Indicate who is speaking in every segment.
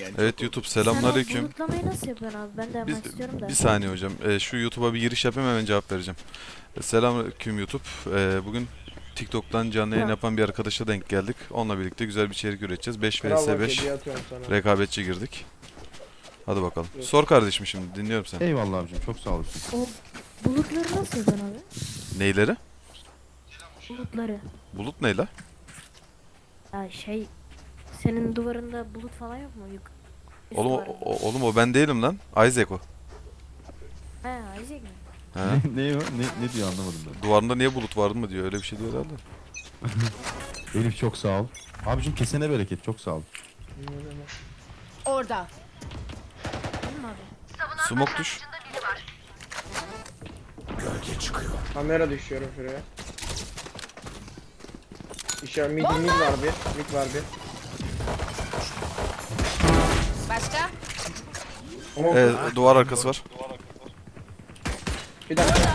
Speaker 1: Evet YouTube
Speaker 2: Sen o
Speaker 1: selamünaleyküm.
Speaker 2: bulutlamayı nasıl yapıyorsun abi? Ben de yapmak istiyorum da.
Speaker 1: Bir saniye hocam. Şu YouTube'a bir giriş yapayım hemen cevap vereceğim. Selamünaleyküm YouTube. Bugün TikTok'tan canlı yayın
Speaker 2: Ha.
Speaker 1: yapan bir arkadaşa denk geldik. Onunla birlikte güzel bir içerik üreteceğiz. 5
Speaker 3: Kral
Speaker 1: vs
Speaker 3: bak
Speaker 1: 5
Speaker 3: hediye atıyorum sana.
Speaker 1: rekabetçi girdik. Hadi bakalım.
Speaker 3: Evet.
Speaker 1: Sor kardeşim şimdi dinliyorum seni.
Speaker 4: Eyvallah abicim, çok sağ olasın.
Speaker 2: O bulutları nasıl yapıyorsun abi?
Speaker 1: Neyleri?
Speaker 2: Bulutları.
Speaker 1: Bulut ne la?
Speaker 2: Ya senin duvarında bulut falan yok mu? Üst
Speaker 1: Oğlum
Speaker 2: duvarında.
Speaker 1: oğlum o ben değilim lan. Isaac o.
Speaker 2: He Isaac mi?
Speaker 1: He?
Speaker 4: Ne o? Ne diyor anlamadım ben.
Speaker 1: Duvarında niye bulut vardı mı diyor. Öyle bir şey diyor herhalde.
Speaker 4: Elif çok sağ ol. Abicim kesene bereket, çok sağ ol.
Speaker 5: Orada.
Speaker 2: Değil mi abi?
Speaker 1: Smoke düş.
Speaker 3: Kamera düşüyorum şuraya. Mid var bir. Mid var bir.
Speaker 5: Başka?
Speaker 1: Duvar arkası var.
Speaker 3: Bir dakika.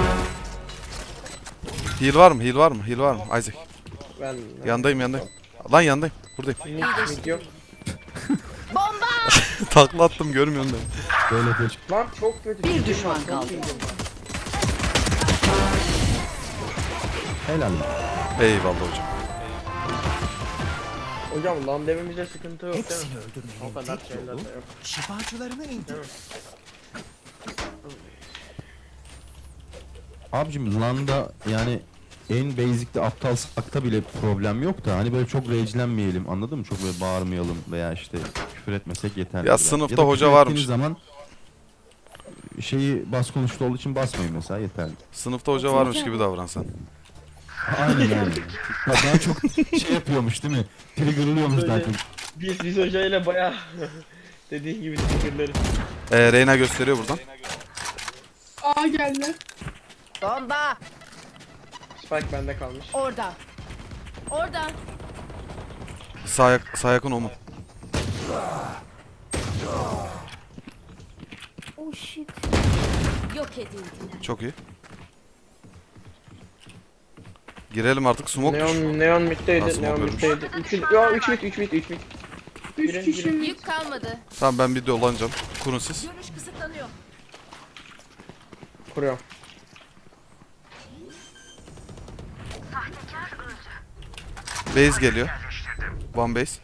Speaker 1: Heal var mı? Heal var mı? Heal var mı? Isaac.
Speaker 3: Ben
Speaker 1: Yandayım. Lan yandayım. Buradayım.
Speaker 3: mid yok.
Speaker 1: Takla attım görmüyorsun da.
Speaker 4: Böyle geç.
Speaker 3: Lan çok kötü.
Speaker 5: Bir düşman
Speaker 3: Çok
Speaker 5: kaldı.
Speaker 3: iyi.
Speaker 4: Helal.
Speaker 1: Eyvallah hocam.
Speaker 3: Hocam lan devimizde sıkıntı yok değil mi?
Speaker 6: Hepsini öldürmenin
Speaker 3: O kadar
Speaker 6: tek
Speaker 3: şeyler
Speaker 6: yolu
Speaker 3: de yok.
Speaker 6: şifacılarını indir.
Speaker 4: Abicim LAN'da yani en basic'te aptal sakta bile problem yok da hani böyle çok rage'lenmeyelim, anladın mı? Çok böyle bağırmayalım veya işte küfür etmesek yeterli.
Speaker 1: Ya sınıfta
Speaker 4: da
Speaker 1: hoca
Speaker 4: küfür
Speaker 1: varmış.
Speaker 4: ettiğiniz zaman şeyi bas konuştu olduğu için basmayın mesela, yeterli.
Speaker 1: Sınıfta hoca varmış gibi davransan.
Speaker 4: Aynen aynen. Daha çok şey yapıyormuş değil mi? Triggerlıyormuş daha
Speaker 3: Böyle-
Speaker 4: çok.
Speaker 3: Biz hocayla baya dediğin gibi fikirleriz.
Speaker 1: Reyna gösteriyor buradan.
Speaker 7: A geldi.
Speaker 5: Bomba.
Speaker 3: Spike bende kalmış.
Speaker 5: Orada. Orada.
Speaker 1: Sağ yakın o mu?
Speaker 2: Oh shit.
Speaker 5: Yok edildiler.
Speaker 1: Çok iyi. Girelim artık smoke düş.
Speaker 3: Neon middeydi.
Speaker 1: Nasıl
Speaker 3: Neon
Speaker 1: bakıyormuş?
Speaker 3: middeydi. 3 mid. 3 mid.
Speaker 7: 3
Speaker 3: Girin,
Speaker 7: kişi
Speaker 3: girin.
Speaker 7: mi?
Speaker 5: Yük kalmadı.
Speaker 1: Tamam ben bir dolanacağım. Kurun siz.
Speaker 5: Görüş kısıtlanıyor.
Speaker 3: Kuruyorum.
Speaker 1: Base geliyor. One base.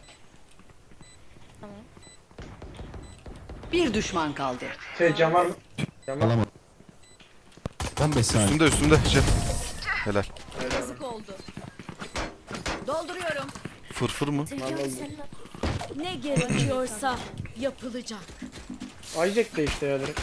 Speaker 5: Bir düşman kaldı.
Speaker 3: Cam var mı? Cam var mı?
Speaker 4: Alamadım. 15 saniye.
Speaker 1: Üstümde Jet. Helal.
Speaker 5: Yazık oldu. Dolduruyorum.
Speaker 1: Fırfır mı?
Speaker 2: Zeki abi senin
Speaker 5: Ne gerekiyorsa yapılacak.
Speaker 3: Isaac de işte ya direkt.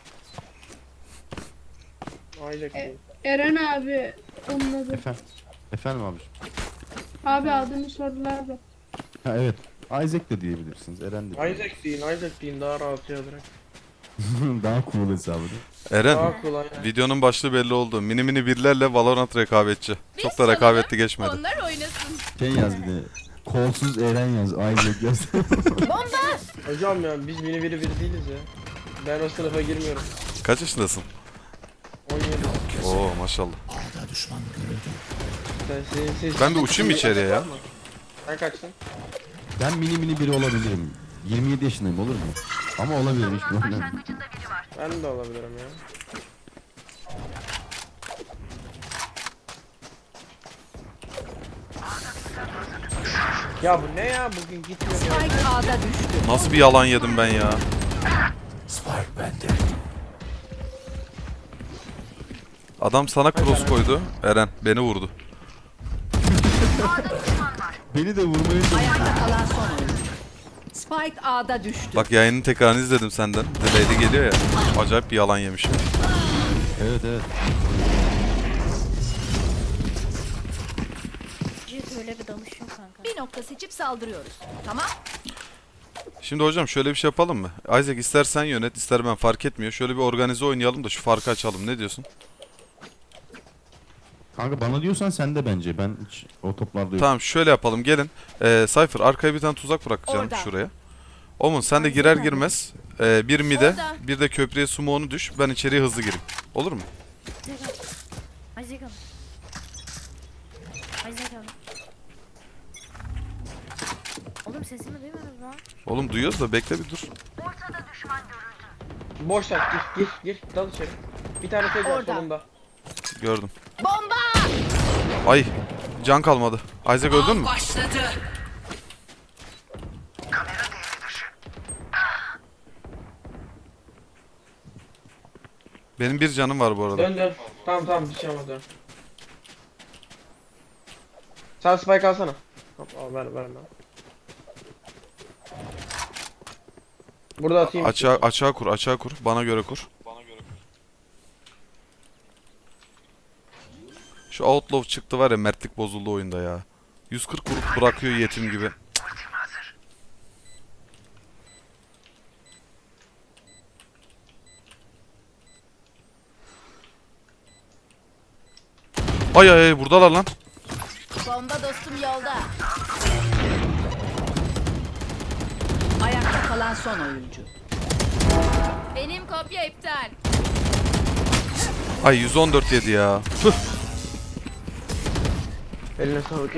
Speaker 3: Isaac değil.
Speaker 7: Eren abi onun adı.
Speaker 4: Efendim abicim.
Speaker 7: Abi adını sordular da.
Speaker 4: Ha evet. Isaac de diyebilirsiniz. Eren de.
Speaker 3: Isaac deyin daha rahat ya direkt.
Speaker 4: Daha cool hesabı değil mi?
Speaker 1: Eren.
Speaker 3: Daha kolay yani.
Speaker 1: Videonun başlığı belli oldu. Mini mini birlerle Valorant rekabetçi. Çok da rekabetli geçmedi.
Speaker 5: Onlar oynasın.
Speaker 4: Şey yaz bir de. Kolsuz Eren yaz. Isaac yaz.
Speaker 3: Hocam ya biz biri değiliz ya. Ben o sınıfa girmiyorum.
Speaker 1: Kaç yaşındasın?
Speaker 3: 17.
Speaker 1: Oo maşallah.
Speaker 6: Ağda düşman görüldü.
Speaker 3: Siz
Speaker 1: Ben bir uçayım mı içeriye ya?
Speaker 3: Sen kaçtın?
Speaker 4: Ben mini biri olabilirim. 27 yaşındayım, olur mu? Ama olabilirim, hiç problem yok.
Speaker 3: Ben de olabilirim ya. Ya bu ne ya bugün gitmiyor ya.
Speaker 5: Spike A'da düştü.
Speaker 1: Nasıl bir yalan yedim ben ya?
Speaker 6: Spike bende.
Speaker 1: Adam sana cross koydu. Eren beni vurdu.
Speaker 4: Beni de vurmayı...
Speaker 5: Ayakta kalan son oyuncu. Spike A'da düştü.
Speaker 1: Bak yayının tekrarını izledim senden. Delay'de geliyor ya. Acayip bir yalan yemişim.
Speaker 4: Evet evet.
Speaker 2: Jet öyle bir danışıyor kanka.
Speaker 5: Bir nokta seçip saldırıyoruz. Tamam.
Speaker 1: Şimdi hocam şöyle bir şey yapalım mı? Isaac istersen yönet ister ben fark etmiyor. Şöyle bir organize oynayalım da şu farkı açalım. Ne diyorsun?
Speaker 4: Kanka bana diyorsan sen de bence. Ben hiç o toplarda yok.
Speaker 1: Tamam şöyle yapalım gelin. Cypher arkaya bir tane tuzak bırakacağım
Speaker 5: Orada.
Speaker 1: şuraya. Omun sen de girer girmez bir mide
Speaker 5: Orada.
Speaker 1: bir de köprüye smoke'unu düş. Ben içeriye hızlı gireyim. Olur mu?
Speaker 2: Isaac abi. Isaac abi. Oğlum sesimi duymadınız lan.
Speaker 1: Oğlum duyuyoruz da bekle bir dur.
Speaker 3: Boş ver, gir, dal içeri. Bir tane tek var
Speaker 5: Orada.
Speaker 3: solunda.
Speaker 1: Gördüm.
Speaker 5: Bomba!
Speaker 1: Ay can kalmadı. Isaac öldün mü?
Speaker 5: Başladı.
Speaker 1: Benim bir canım var bu arada.
Speaker 3: Dön. Tamam bir şey olmaz dön. Sen spike alsana. Hop al ver bana. Burada atayım.
Speaker 1: Açığa kur. Bana göre kur. Şu Outlaw çıktı var ya, mertlik bozuldu oyunda ya. 140 vurup bırakıyor yetim gibi. Ay buradalar lan.
Speaker 5: Bomba dostum yolda. Ayakta kalan son oyuncu. Benim kopya iptal.
Speaker 1: Ay 114 yedi ya. Tüh.
Speaker 3: Eline sağlık.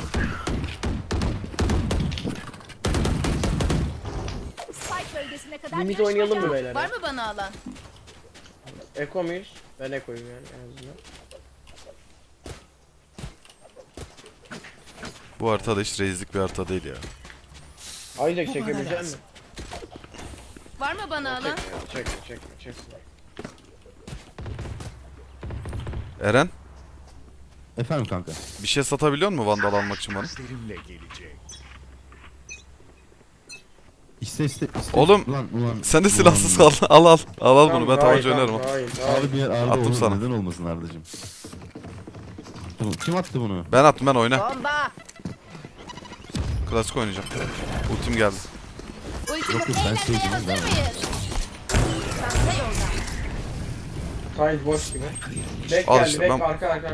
Speaker 5: Spike bölgesine kadar
Speaker 3: Limit
Speaker 5: yarışma
Speaker 3: oynayalım mı
Speaker 5: şansı.
Speaker 3: beyler?
Speaker 5: Var mı bana alan?
Speaker 3: Eko muyuz? Ben ekoyum yani en azından.
Speaker 1: Bu haritada hiç reislik bir harita değil ya.
Speaker 3: Isaac çekebilecek misin?
Speaker 5: Var mı bana alan?
Speaker 3: Çek.
Speaker 1: Eren
Speaker 4: Efendim kanka.
Speaker 1: bir şey satabiliyor musun Vandal almak için bana?
Speaker 6: Benimle gelecek.
Speaker 4: İste.
Speaker 1: Oğlum,
Speaker 4: Ulan.
Speaker 1: Sen de
Speaker 4: ulan.
Speaker 1: silahsız kal. Al bunu, ben tabanca oynarım.
Speaker 3: Hayır.
Speaker 4: Abi bir yer Arda
Speaker 1: Attım
Speaker 4: olur.
Speaker 1: sana.
Speaker 4: Neden olmasın Arda'cığım? Kim attı bunu?
Speaker 1: Ben attım, ben oyna.
Speaker 5: Bomba!
Speaker 1: Klasik oynayacağım. Ultim geldi.
Speaker 5: Ultimate
Speaker 4: ben
Speaker 5: eğlenmeye
Speaker 4: sevdim,
Speaker 5: hazır
Speaker 4: ben-
Speaker 5: mıyız? Çanta yolda.
Speaker 3: Side boş gibi. Back
Speaker 1: Al
Speaker 3: geldi,
Speaker 1: işte,
Speaker 3: back
Speaker 1: ben-
Speaker 3: arka.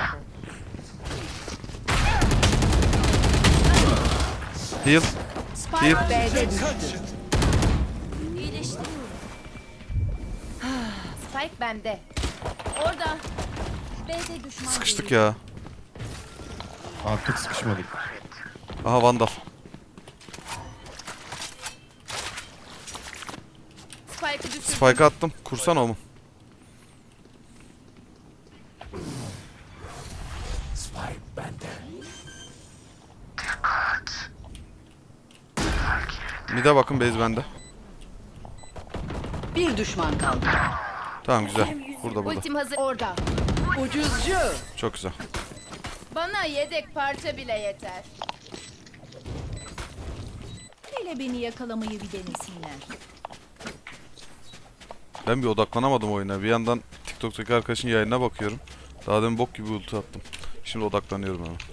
Speaker 1: Heal.
Speaker 5: Spike B'de düştü. İyileştiriyorum. Spike bende. Orada. B'de düşman
Speaker 1: Sıkıştık
Speaker 5: görüldü.
Speaker 1: ya.
Speaker 4: Artık sıkışmadık.
Speaker 1: Aha Vandal.
Speaker 5: Spike'ı düşürdüm.
Speaker 1: Spike attım. Kursana o mu?
Speaker 6: Spike bende.
Speaker 1: Mid'e bakın, base bende.
Speaker 5: Bir düşman kaldı.
Speaker 1: Tamam güzel. Burada.
Speaker 5: Ultim hazır. Orada. Ucuzcu.
Speaker 1: Çok güzel.
Speaker 5: Bana yedek parça bile yeter. Hele beni yakalamayı bir denesinler.
Speaker 1: Ben bir odaklanamadım oyuna. Bir yandan TikTok'taki arkadaşın yayınına bakıyorum. Daha demin bok gibi ulti attım. Şimdi odaklanıyorum hemen.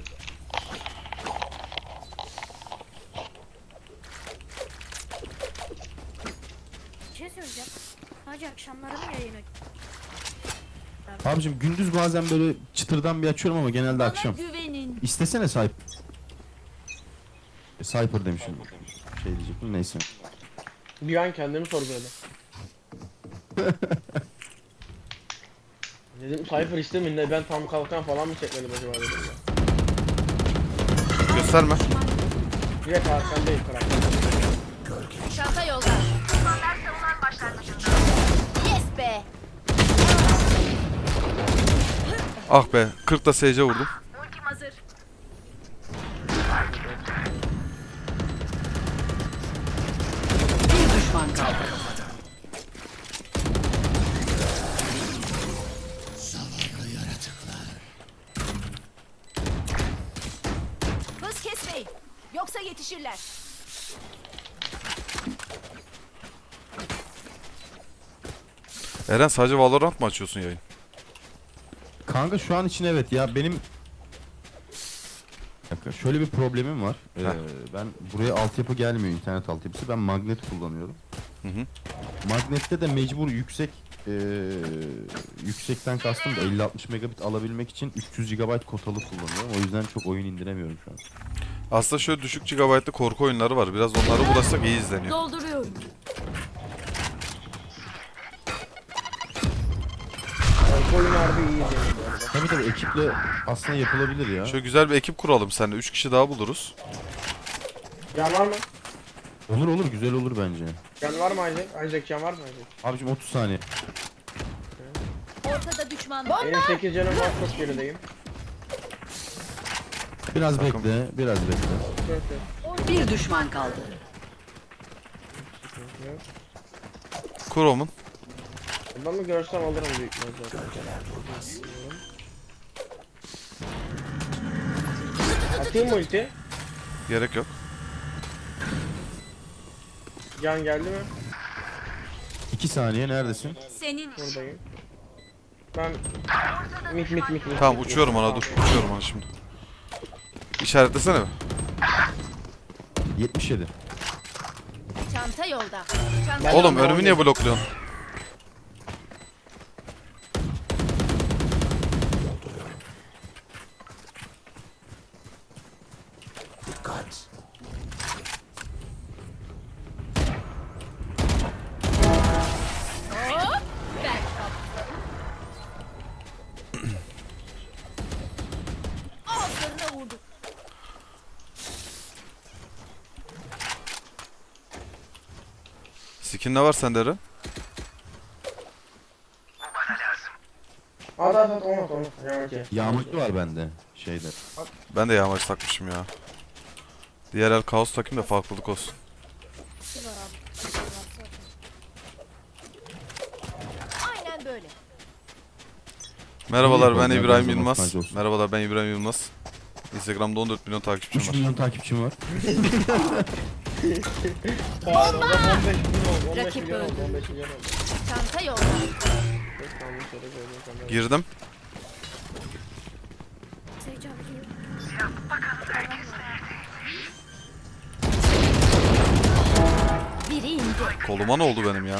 Speaker 2: Bir şey söyleyeceğim. Hacı akşamları mı yayın aç?
Speaker 4: Abicim gündüz bazen böyle çıtırdan bir açıyorum ama genelde akşam.
Speaker 5: Güvenin.
Speaker 4: İstesene Cypher. Cypher demişim. Şey diyecektim neyse.
Speaker 3: Bir an kendimi sorguladım. Dedim Cypher istemeyin de ben tam kalkan falan mı çekmedim acaba dedim ya.
Speaker 1: Gösterme.
Speaker 3: Direkt arkandayım karakter.
Speaker 5: Çanta yolda. Yes be.
Speaker 1: Ah be. 40 da SC vurdum.
Speaker 5: Ultim hazır. Bir düşman kaldı. Hız kesmeyin. Yoksa yetişirler.
Speaker 1: Eren sadece Valorant mı açıyorsun yayın?
Speaker 4: Kanka şu an için evet ya benim Bir dakika, şöyle bir problemim var. Ben buraya altyapı gelmiyor, internet altyapısı. Ben magnet kullanıyorum.
Speaker 1: Hı hı.
Speaker 4: Magnette de mecbur yüksekten kastım da 50-60 megabit alabilmek için 300 GB kotalı kullanıyorum. O yüzden çok oyun indiremiyorum şu an.
Speaker 1: Aslında şöyle düşük gigabaytlı korku oyunları var. Biraz onlara uğraşsak iyi izleniyor.
Speaker 5: Dolduruyorum.
Speaker 3: Bu oyun harbi iyi izleniyor bu arada.
Speaker 4: Tabii tabii ekiple aslında yapılabilir ya.
Speaker 1: Şöyle güzel bir ekip kuralım seninle. 3 kişi daha buluruz.
Speaker 3: Can var mı?
Speaker 4: Olur olur, güzel olur bence.
Speaker 3: Can var mı Isaac? Isaac can var mı Isaac?
Speaker 4: Abicim 30 saniye.
Speaker 5: Ortada düşman var.
Speaker 3: Benim 8 canım var, çok gerideyim.
Speaker 4: Biraz
Speaker 1: Takım.
Speaker 4: bekle, biraz bekle.
Speaker 3: Yok yok.
Speaker 5: Bir düşman kaldı.
Speaker 3: Yok.
Speaker 1: Kurom'un.
Speaker 3: Adamı görsem alırım büyük ihtimalle. Atayım mı ulti?
Speaker 1: Gerek yok.
Speaker 3: Can geldi mi?
Speaker 4: 2 saniye neredesin?
Speaker 5: Senin
Speaker 3: Buradayım. Ben mit.
Speaker 1: Tamam uçuyorum ona dur. Uçuyorum ona şimdi. İşaretlesene mi?
Speaker 4: 77.
Speaker 5: çanta yolda.
Speaker 3: Ben
Speaker 1: Oğlum
Speaker 3: de
Speaker 1: önümü niye blokluyorsun?
Speaker 6: Dikkat.
Speaker 5: Ağzlarına vurdu.
Speaker 1: Skin ne var sende Eren?
Speaker 3: At onu. Yavaş ye.
Speaker 4: Yağmurlu var bende şeyde.
Speaker 1: Ben de yağmacı takmışım ya. Diğer el kaos takayım da farklılık olsun.
Speaker 5: Aynen böyle.
Speaker 1: Merhabalar ben
Speaker 4: yapalım ya,
Speaker 1: İbrahim
Speaker 4: biraz
Speaker 1: Yılmaz.
Speaker 4: avantajlı olsun.
Speaker 1: Merhabalar ben İbrahim Yılmaz. Instagram'da 14 milyon takipçim
Speaker 4: 3
Speaker 1: var.
Speaker 4: milyon takipçim var.
Speaker 3: Hayır, o da 15 milyon oldu. 15
Speaker 5: Rakip
Speaker 3: milyon oldu.
Speaker 5: öldü.
Speaker 3: 15 milyon oldu.
Speaker 5: Çanta yolda.
Speaker 3: Tamam, şöyle koydum kamerayı.
Speaker 1: Girdim.
Speaker 2: Sage abi geliyor.
Speaker 5: Biri indi.
Speaker 1: Koluma ne oldu benim ya?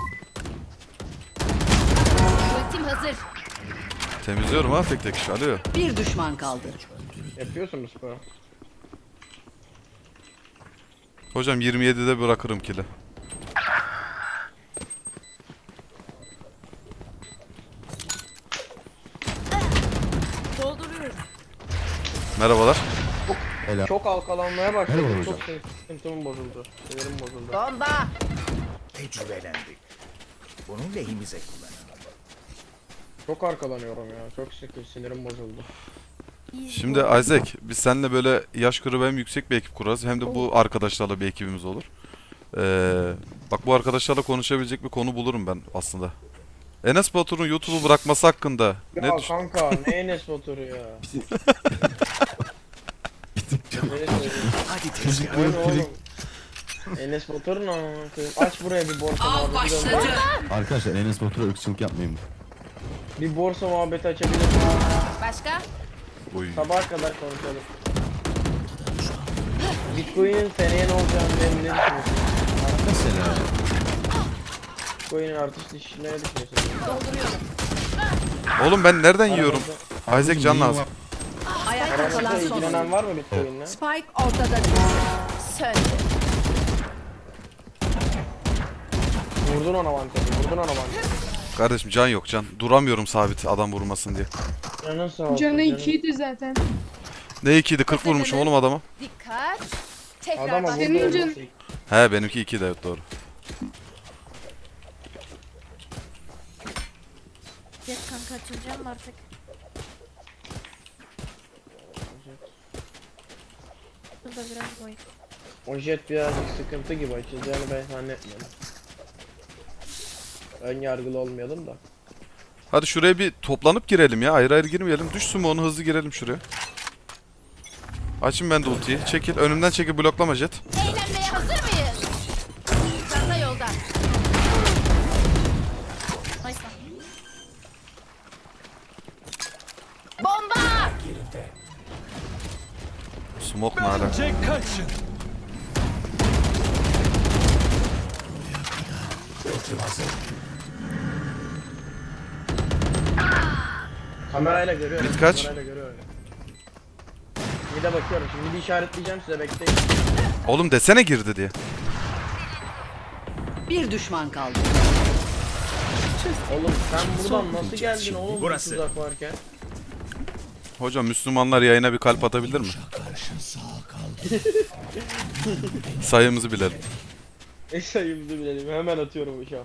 Speaker 5: Ultim hazır.
Speaker 1: Temizliyorum ha tek tek iş. Alo.
Speaker 5: Bir düşman kaldı.
Speaker 3: Yapıyorsun bu sporu.
Speaker 1: Hocam 27'de bırakırım kili.
Speaker 5: Dolduruyorum.
Speaker 1: Merhabalar.
Speaker 4: Helal.
Speaker 3: Çok halkalanmaya başladı.
Speaker 4: Merhaba
Speaker 3: Çok
Speaker 4: hocam.
Speaker 3: sıkıntım bozuldu. Sinirim bozuldu.
Speaker 5: Bomba.
Speaker 6: Tecrübelendik. Bunu lehimize kullanalım.
Speaker 3: Çok arkalanıyorum ya. Çok sinirim bozuldu.
Speaker 1: Şimdi Isaac biz seninle böyle yaş grubu hem yüksek bir ekip kurarız hem de bu arkadaşlarla bir ekibimiz olur. Bak bu arkadaşlarla konuşabilecek bir konu bulurum ben aslında. Enes Batur'un YouTube'u bırakması hakkında ne
Speaker 3: Ya
Speaker 1: düş-
Speaker 3: kanka ne Enes Batur'u ya. Ne söyleyeyim?
Speaker 6: Hadi tezgah.
Speaker 3: Oyun oğlum. Enes Batur'un ama aç buraya bir borsa muhabbeti dön.
Speaker 4: Arkadaşlar Enes Batur'a ırkçılık yapmayın.
Speaker 3: Bir borsa muhabbeti açabiliriz.
Speaker 5: Başka?
Speaker 1: Oy.
Speaker 3: Sabaha kadar konuşalım. Bitcoin'in seneye ne olacağını ne düşünüyorsun?
Speaker 4: Mesela
Speaker 3: Bitcoin'in artış düşüşüne ne düşünüyorsun?
Speaker 5: Dolduruyorum.
Speaker 1: Oğlum ben nereden yiyorum? Isaac can
Speaker 4: neyin
Speaker 1: lazım.
Speaker 4: var?
Speaker 5: Ayakta
Speaker 3: Aranızda
Speaker 5: kalan son
Speaker 3: ilgilenen
Speaker 5: oyun.
Speaker 3: var mı Bitcoin'le?
Speaker 5: Spike ortada düştü. Söndü.
Speaker 3: Vurdun ona vantezi, vurdun ona vantezi.
Speaker 1: Kardeşim can yok can. Duramıyorum sabit adam vurmasın diye.
Speaker 3: Canın sağ olsun.
Speaker 7: Canı
Speaker 3: canın.
Speaker 7: 2'ydi zaten.
Speaker 1: Ne 2'ydi 40 vurmuşum oğlum adama.
Speaker 5: Dikkat. Tekrar
Speaker 3: Adama
Speaker 5: bak.
Speaker 3: vurdu
Speaker 7: Senin
Speaker 3: olması.
Speaker 7: canın-
Speaker 1: He benimki 2 de evet doğru.
Speaker 2: Jet kanka açılacağım mı artık? Burada biraz boy.
Speaker 3: O jet birazcık sıkıntı gibi açılacağını ben zannetmiyorum. Ön yargılı olmayalım da.
Speaker 1: Hadi şuraya bir toplanıp girelim ya. Ayrı ayrı girmeyelim. Düşsün mü onu hızlı girelim şuraya. Açın ben de ultiyi. Çekil. Önümden çekil bloklama Jet.
Speaker 5: Eğlenmeye hazır mıyız? Çanta yolda.
Speaker 2: Nice.
Speaker 5: Bomba.
Speaker 1: Smoke ne ala?
Speaker 3: Kamerayla görüyorum.
Speaker 1: Bit kaç?
Speaker 3: Kamerayla görüyorum. Bir de bakıyorum. Şimdi bir işaretleyeceğim size bekleyin.
Speaker 1: Oğlum desene girdi diye.
Speaker 5: Bir düşman kaldı.
Speaker 3: Oğlum sen buradan nasıl geldin oğlum bu
Speaker 6: Burası.
Speaker 3: tuzak varken?
Speaker 1: Hocam Müslümanlar yayına bir kalp atabilir mi?
Speaker 6: Karşı sağ kaldı.
Speaker 1: Sayımızı bilelim.
Speaker 3: Sayımızı bilelim. Hemen atıyorum uçağı.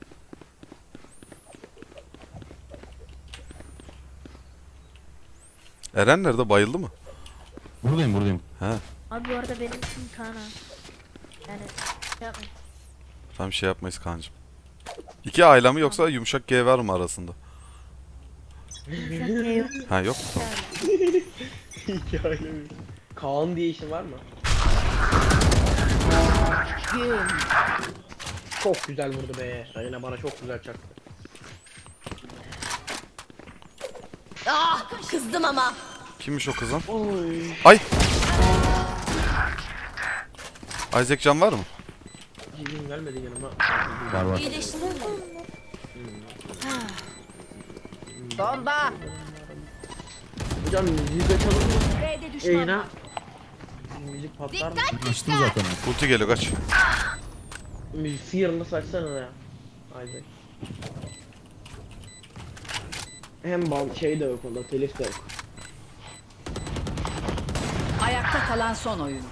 Speaker 1: Eren nerede? Bayıldı mı?
Speaker 4: Buradayım.
Speaker 1: He.
Speaker 2: Abi bu arada benim ismim Kaan ha. Yani şey yapmayın.
Speaker 1: Tam şey yapmayız kancım. İki aile mi yoksa yumuşak G var mı arasında?
Speaker 2: Yumuşak G yok.
Speaker 1: Ha yok mu? Tamam.
Speaker 3: Hikaye mi? Kaan diye işin var mı? Çok güzel vurdu be. Reyna bana çok güzel çaktı.
Speaker 5: Ah, kızdım ama.
Speaker 1: Kimmiş o kızın?
Speaker 3: Oy.
Speaker 1: Ay! Isaac can var mı?
Speaker 3: Cibim gelmedi yanıma.
Speaker 4: Var.
Speaker 5: İyileştin mi? Bomba.
Speaker 3: Hocam müziği açalım mı?
Speaker 5: B'de düşman
Speaker 3: Yayına.
Speaker 5: var.
Speaker 3: Müzik patlar mı?
Speaker 4: Açtım zaten.
Speaker 1: Ulti geliyor kaç.
Speaker 3: Müzik sıyırını saçsana ya. Haydi. Hem bal şey de yok onda, telif de yok.
Speaker 5: Ayakta kalan son oyuncu.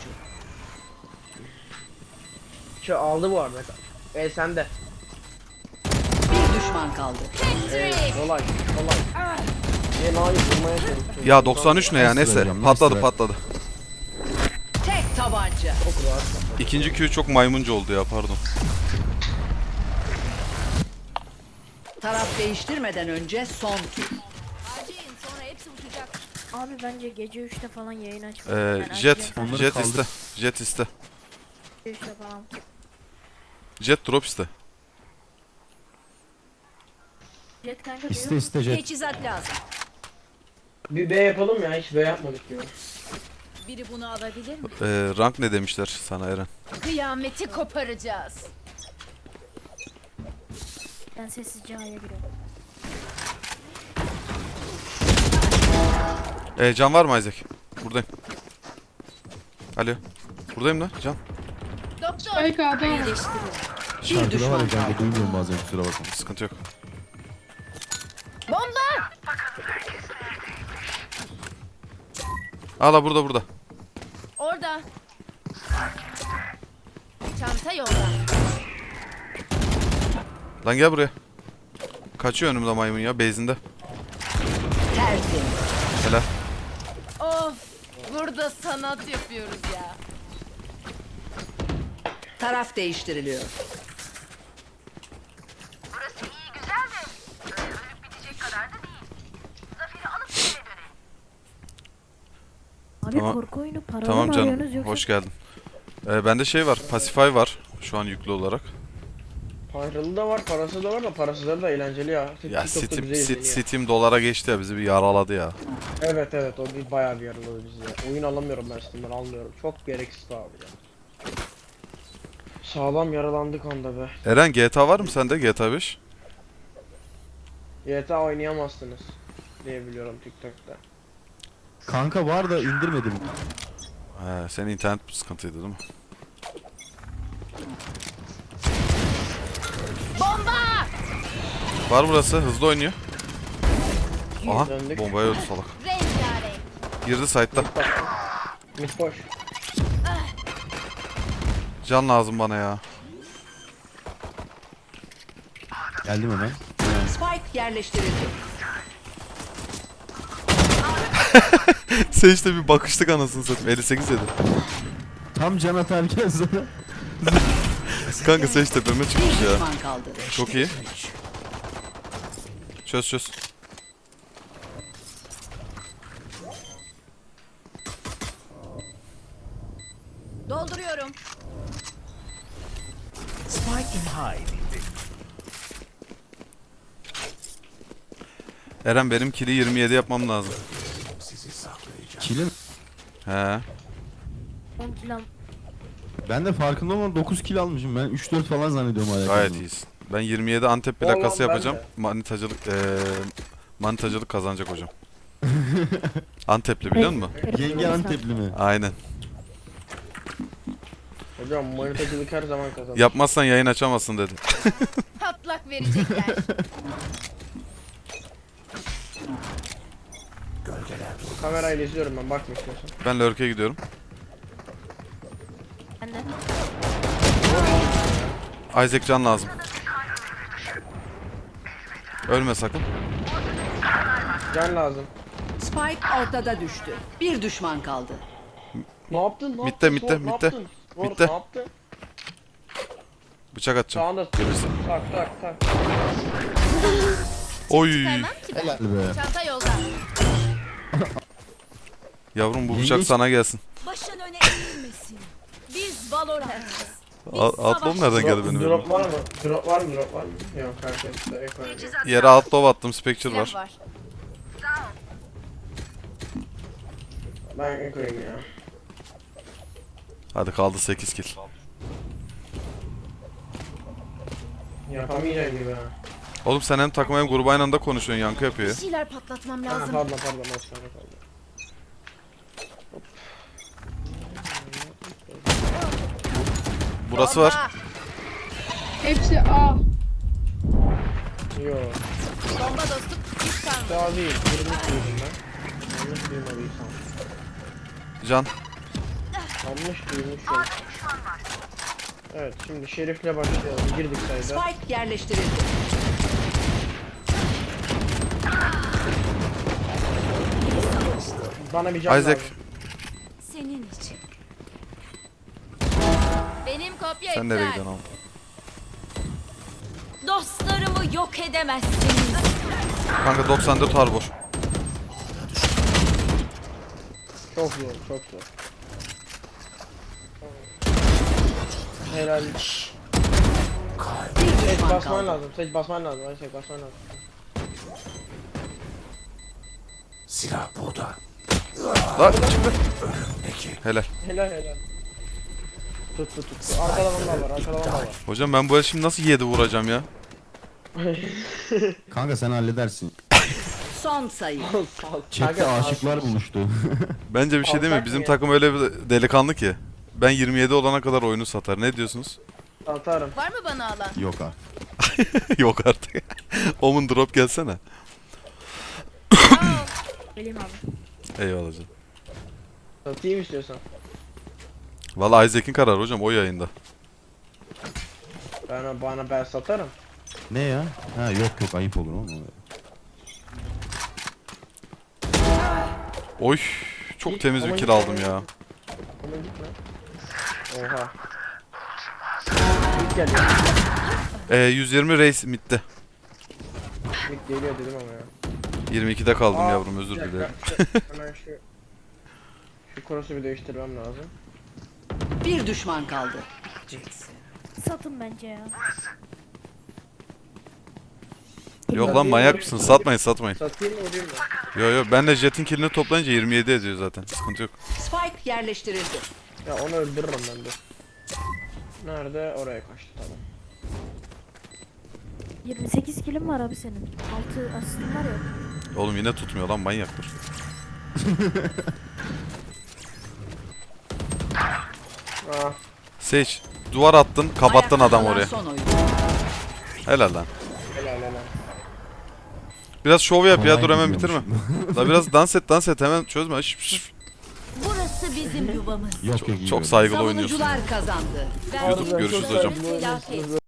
Speaker 3: Şu aldı bu arada. Sen de.
Speaker 5: Bir düşman kaldı.
Speaker 3: Kolay. Hayır vurmaya çalışıyorum.
Speaker 1: Ya 93 ne ya neyse.
Speaker 4: hocam,
Speaker 1: Patladı
Speaker 4: nice
Speaker 1: patladı.
Speaker 5: Tek tabanca.
Speaker 3: Çok rahat.
Speaker 1: İkinci Q çok maymuncu oldu ya pardon.
Speaker 5: Taraf değiştirmeden önce son tur.
Speaker 2: Abi bence gece 3'te falan yayın açma.
Speaker 1: Jet.
Speaker 4: Onları
Speaker 1: Jet
Speaker 4: kaldır.
Speaker 1: iste. Jet iste.
Speaker 2: 3'te falan.
Speaker 1: Jet drop iste.
Speaker 2: Jet kanka
Speaker 4: İste Jet.
Speaker 5: Teçhizat lazım.
Speaker 3: Bir B yapalım ya, hiç B yapmadık diyor.
Speaker 5: Biri bunu alabilir mi?
Speaker 1: Rank ne demişler sana Eren?
Speaker 5: Kıyameti koparacağız.
Speaker 2: Ben sessizce A'ya giriyorum.
Speaker 1: Can var mı Isaac? Buradayım. Alo. Buradayım lan Can.
Speaker 5: Doktor.
Speaker 7: Spike A'da.
Speaker 5: İyileştiriyor. Bir
Speaker 4: Şarkıda var
Speaker 5: düşman
Speaker 4: ya kanka
Speaker 5: kaldı.
Speaker 4: duymuyorum bazen kusura bakma.
Speaker 1: Sıkıntı yok.
Speaker 5: Bomba.
Speaker 1: Hala burada.
Speaker 5: Orada. Çanta yolda.
Speaker 1: Lan gel buraya. Kaçıyor önümde maymun ya base'inde.
Speaker 5: Tertemiz.
Speaker 1: Helal.
Speaker 5: Of. Burada sanat yapıyoruz ya. Taraf değiştiriliyor.
Speaker 2: Abi
Speaker 1: Tamam.
Speaker 2: korku oyunu paralı
Speaker 1: Tamam
Speaker 2: mı
Speaker 1: canım.
Speaker 2: arıyorsunuz yoksa?
Speaker 1: Hoş geldin. Bende şey var. Pacify var. Şu an yüklü olarak.
Speaker 3: Paralı da var, parası da var da parasızları da eğlenceli ya.
Speaker 1: Ya
Speaker 3: TikTok'ta
Speaker 1: Steam,
Speaker 3: güzel izleniyor.
Speaker 1: Steam dolara geçti ya bizi bir yaraladı ya.
Speaker 3: Evet o bir bayağı bir yaraladı bizi ya. Oyun alamıyorum ben Steam'den, almıyorum. Çok gereksiz abi ya. Sağlam yaralandık anda be.
Speaker 1: Eren GTA var mı sende GTA 5?
Speaker 3: GTA oynayamazsınız diye biliyorum TikTok'ta.
Speaker 4: Kanka var da indirmedim.
Speaker 1: Senin internet sıkıntıydı değil mi?
Speaker 5: Bomba!
Speaker 1: Var burası hızlı oynuyor. Aha
Speaker 3: Döndük.
Speaker 1: bombaya öldü salak.
Speaker 5: Rengarenk.
Speaker 1: Girdi site'da.
Speaker 3: Mid boş.
Speaker 1: Can lazım bana ya.
Speaker 4: Geldim hemen.
Speaker 5: Spike yerleştirildi.
Speaker 1: Sen işte bir bakıştık anasını satayım. 58 yedi.
Speaker 4: Tam can atarken sana.
Speaker 1: Kanka sen işte tepeme
Speaker 5: Bir
Speaker 1: çıkmış ya.
Speaker 5: düşman kaldı.
Speaker 1: Çok iyi. Çöz.
Speaker 5: Dolduruyorum.
Speaker 6: Spike in hide.
Speaker 1: Eren benim kili 27 yapmam lazım.
Speaker 6: Sizi saklayacağım.
Speaker 4: Kilim.
Speaker 1: He.
Speaker 2: 10 kilam.
Speaker 4: Ben de farkında olmadan 9 kill almışım. Ben 3-4 falan zannediyorum hala.
Speaker 1: Gayet iyisin. Ben 27 Antep
Speaker 3: Vallahi
Speaker 1: plakası
Speaker 3: ben
Speaker 1: yapacağım.
Speaker 3: de.
Speaker 1: Manitacılık kazanacak hocam. Antepli biliyor musun?
Speaker 4: Yenge Antepli mi?
Speaker 1: Aynen.
Speaker 3: Hocam manitacılık her zaman kazanır.
Speaker 1: Yapmazsan yayın açamazsın dedi.
Speaker 5: Patlak verecekler.
Speaker 3: Kamerayla izliyorum ben, bakma istiyorsan.
Speaker 1: Ben lurk'e gidiyorum. Isaac can lazım. Ölme sakın.
Speaker 3: Can lazım.
Speaker 5: Spike ortada düştü. Bir düşman kaldı.
Speaker 3: Ne yaptın? Ne
Speaker 1: Mitte,
Speaker 3: yaptın?
Speaker 1: mitte,
Speaker 3: Sword, ne
Speaker 1: mitte.
Speaker 3: yaptın? Sword,
Speaker 1: Mitte.
Speaker 3: Ne yaptın?
Speaker 1: Bıçak atacağım.
Speaker 3: Sağında.
Speaker 1: Görürsün.
Speaker 3: Tak tak tak.
Speaker 1: Oy.
Speaker 3: Helal.
Speaker 4: Be.
Speaker 8: Çanta yolda.
Speaker 1: Yavrum bu
Speaker 4: Yenge
Speaker 1: bıçak
Speaker 4: hiç-
Speaker 1: sana gelsin.
Speaker 8: Başın öne eğilmesin. Biz Valorant'ız.
Speaker 1: Outlaw nereden geldi benim
Speaker 3: Drop
Speaker 1: elime?
Speaker 3: var mı? Drop var mı? Drop var mı? Yok herkes de ek oynuyor.
Speaker 1: Yere Outlaw attım. Spectre
Speaker 8: Silah
Speaker 1: var.
Speaker 8: var.
Speaker 3: Ben ek oynuyorum ya.
Speaker 1: Hadi kaldı 8 kill.
Speaker 3: Yapamayacağım gibi ha.
Speaker 1: Oğlum sen hem takım hem grubu aynı anda konuşuyorsun. Yankı yapıyor
Speaker 8: Bir
Speaker 1: ya.
Speaker 8: şeyler patlatmam
Speaker 3: Ha,
Speaker 8: lazım.
Speaker 3: pardon pardon.
Speaker 1: Burası var.
Speaker 8: Bomba.
Speaker 7: Hepsi A.
Speaker 3: Yok.
Speaker 8: Bomba dostum. Hiç kalmadı.
Speaker 3: Daha değil. Yanlış duydum ben. Yanlış duymadıysam.
Speaker 1: Can.
Speaker 3: Yanlış duymuşum. Evet şimdi Şerif'le başlayalım. Girdik sayıda.
Speaker 5: Spike yerleştirildi.
Speaker 3: Bana bir can
Speaker 1: Isaac.
Speaker 3: lazım.
Speaker 8: Senin için. Benim kopya
Speaker 1: Sen
Speaker 8: iptal.
Speaker 1: nereye gidiyorsun oğlum?
Speaker 8: Dostlarımı yok edemezsiniz.
Speaker 1: Kanka 94 harbor.
Speaker 3: Çok zor, çok zor. Helal.
Speaker 5: Bir
Speaker 3: Seç
Speaker 5: düşman
Speaker 3: basman
Speaker 5: kaldı.
Speaker 3: lazım. Seç basman lazım. Ay seç basman lazım.
Speaker 6: Silah burada.
Speaker 1: Lan çıktı. Helal.
Speaker 3: Helal helal. Tut tut tut. Arkada vandal var. Arkada vandal var.
Speaker 1: Hocam ben bu el şimdi nasıl 7 vuracağım ya?
Speaker 4: Kanka sen halledersin.
Speaker 5: Son sayı.
Speaker 4: Chat'te aşıklar buluştu.
Speaker 1: Bence bir şey değil mi?
Speaker 3: Alsak
Speaker 1: Bizim
Speaker 3: mı?
Speaker 1: takım öyle bir delikanlı ki. Ben 27 olana kadar oyunu satar. Ne diyorsunuz?
Speaker 3: Atarım.
Speaker 8: Var mı bana alan?
Speaker 4: Yok artık.
Speaker 1: Yok artık. Omun drop gelsene.
Speaker 2: Geleyim abi.
Speaker 1: Eyvallah canım.
Speaker 3: Satayım istiyorsan.
Speaker 1: Valla Isaac'in kararı hocam o yayında.
Speaker 3: Ben satarım.
Speaker 4: Ne ya? Ha yok ayıp olur oğlum.
Speaker 1: Oy. Çok
Speaker 3: Git,
Speaker 1: temiz bir
Speaker 3: ama
Speaker 1: kill
Speaker 3: git,
Speaker 1: aldım
Speaker 3: ama
Speaker 1: ya.
Speaker 3: Ama gitme. Oha. Mid geliyor.
Speaker 1: 120 race midde.
Speaker 3: Mid geliyor dedim ama ya.
Speaker 1: 22'de kaldım
Speaker 3: Aa,
Speaker 1: yavrum özür
Speaker 3: bir dakika.
Speaker 1: dilerim.
Speaker 3: Hemen şu cross'u bir değiştirmem lazım.
Speaker 5: Bir düşman kaldı.
Speaker 2: Satın bence ya.
Speaker 1: Yok lan manyak mısın? Satmayın satmayın.
Speaker 3: Satayım mı vurayım mı?
Speaker 1: Yo yo ben de Jet'in killini toplayınca 27 ediyor zaten. Sıkıntı yok.
Speaker 5: Spike yerleştirildi.
Speaker 3: Ya onu öldürürüm ben de. Nerede? Oraya kaçtı tamam.
Speaker 2: 28 kilim var abi senin. 6 asistin var ya.
Speaker 1: Oğlum yine tutmuyor lan manyaktır.
Speaker 3: Ah.
Speaker 1: Sage duvar attın kapattın
Speaker 5: Ayakta
Speaker 1: adam
Speaker 5: kalan
Speaker 1: oraya.
Speaker 5: Son oyun.
Speaker 1: Helal lan.
Speaker 3: Helal helal.
Speaker 1: Biraz şov yap ya
Speaker 4: Kolay
Speaker 1: dur hemen bitirme.
Speaker 4: gidiyormuş.
Speaker 1: La biraz dans et hemen çözme. Şş, şş.
Speaker 8: Burası bizim yuvamız.
Speaker 4: Yok yok iyi
Speaker 1: Çok
Speaker 4: böyle.
Speaker 1: saygılı oynuyorsun.
Speaker 5: Savunucular kazandı.
Speaker 1: YouTube görüşürüz hocam.
Speaker 8: Felaket.